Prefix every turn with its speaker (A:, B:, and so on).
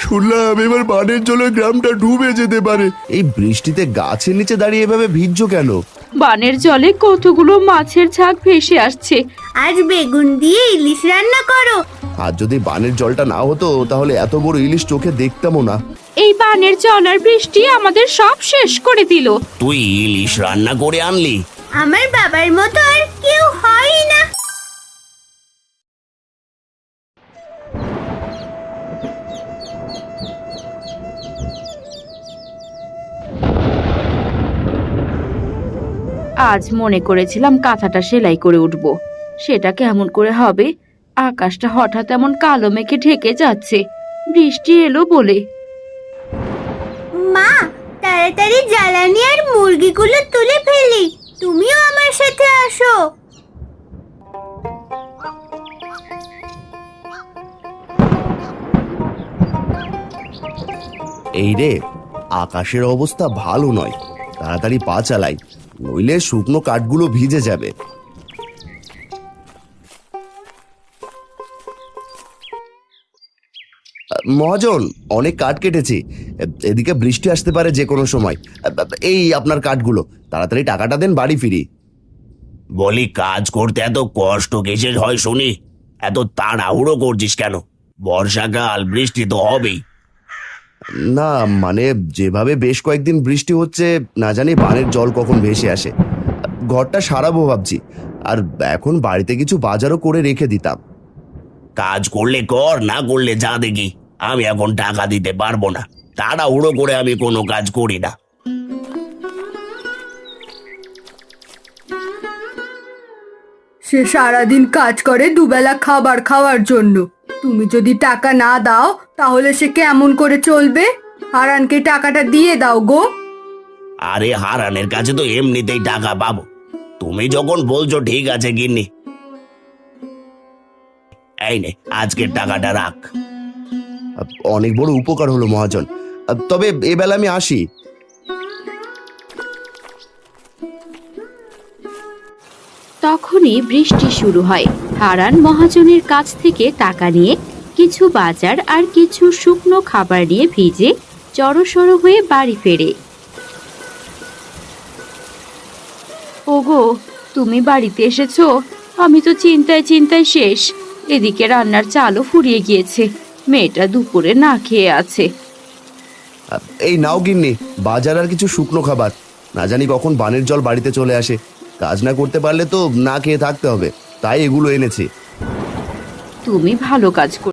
A: শুনলাম এবার বানের জলে গ্রামটা ডুবে যেতে পারে। এই বৃষ্টিতে গাছের নিচে দাঁড়িয়ে এভাবে ভিজছো কেন?
B: বানের জলে কতগুলো মাছের ঝাঁক ভেসে আসছে।
C: আজ বেগুন দিয়ে ইলিশ রান্না করো।
A: আর যদি বানের জলটা না হতো তাহলে এত বড় ইলিশ চোখে দেখতামও না।
B: এই বানের জল আর বৃষ্টি আমাদের সব শেষ করে দিল।
D: তুই ইলিশ রান্না করে আনলি?
C: আমার বাবার মতো আর কেউ হয় না।
B: আজ মনে করেছিলাম কাঁথাটা সেলাই করে উঠব, সেটা কেমন করে হবে? আকাশটা হঠাৎ এমন কালো মেঘে ঢেকে যাচ্ছে, বৃষ্টি এলো বলে।
C: মা, তাড়াতাড়ি জ্বালানি আর মুরগিগুলো তুলে ফেলি। তুমিও আমার সাথে আসো।
A: এই রে, আকাশের অবস্থা ভালো নয়, তাড়াতাড়ি পা চালাই, নইলে শুকনো কাঠগুলো ভিজে যাবে। মহাজন, অনেক কাঠ কেটেছি, এদিকে বৃষ্টি আসতে পারে যে কোনো সময়। এই আপনার কাঠগুলো, তাড়াতাড়ি টাকাটা দেন, বাড়ি ফিরি।
D: বলি, কাজ করতে এত কষ্ট কিসের হয় শুনি? এত তাড়াহুড়ো করছিস কেন? বর্ষাকাল, বৃষ্টি তো হবেই।
A: না মানে, যেভাবে বেশ কয়েকদিন বৃষ্টি হচ্ছে, না জানি বানের জল কখন ভেসে আসে। ঘরটা সারাবো ভাবছি, আর এখন বাড়িতে কিছু বাজারও করে রেখে দিতাম।
D: কাজ করলে কর, না করলে যা দেখি। আমি এখন টাকা দিতে পারবো না, তাড়াহুড়ো করে আমি কোনো কাজ করি না।
E: সে সারাদিন কাজ করে দুবেলা খাবার খাওয়ার জন্য। তুমি যদি টাকা না দাও তাহলে সে কেমন করে চলবে? হারানকে টাকাটা দিয়ে দাও গো।
D: আরে, হারানের কাছে তো এমনিতেই টাকা পাবো। তুমি যখন বলছো ঠিক আছে গিন্নি, এই নে, আজকের টাকাটা রাখ।
A: অনেক বড় উপকার হলো মহাজন, তবে এবেলা আমি আসি।
B: তখনই বৃষ্টি শুরু হয়। হারান মহাজনের কাছ থেকে টাকা নিয়ে কিছু বাজার আর কিছু শুকনো খাবার নিয়ে ভিজে জড়সড় হয়ে বাড়ি ফেরে। ওগো, তুমি বাড়িতে এসেছো? আমি তো চিন্তায় চিন্তায় শেষ। এদিকে রান্নার চালও ফুরিয়ে গিয়েছে, মেয়েটা দুপুরে না খেয়ে আছে।
A: এই নাও গিন্নি, বাজার আর কিছু শুকনো খাবার। না জানি কখন বানের জল বাড়িতে চলে আসে, কাজ না করতে পারলে তো না খেয়ে থাকতে হবে, তাই এগুলো এনেছি।
B: তুমি ভালো কাজ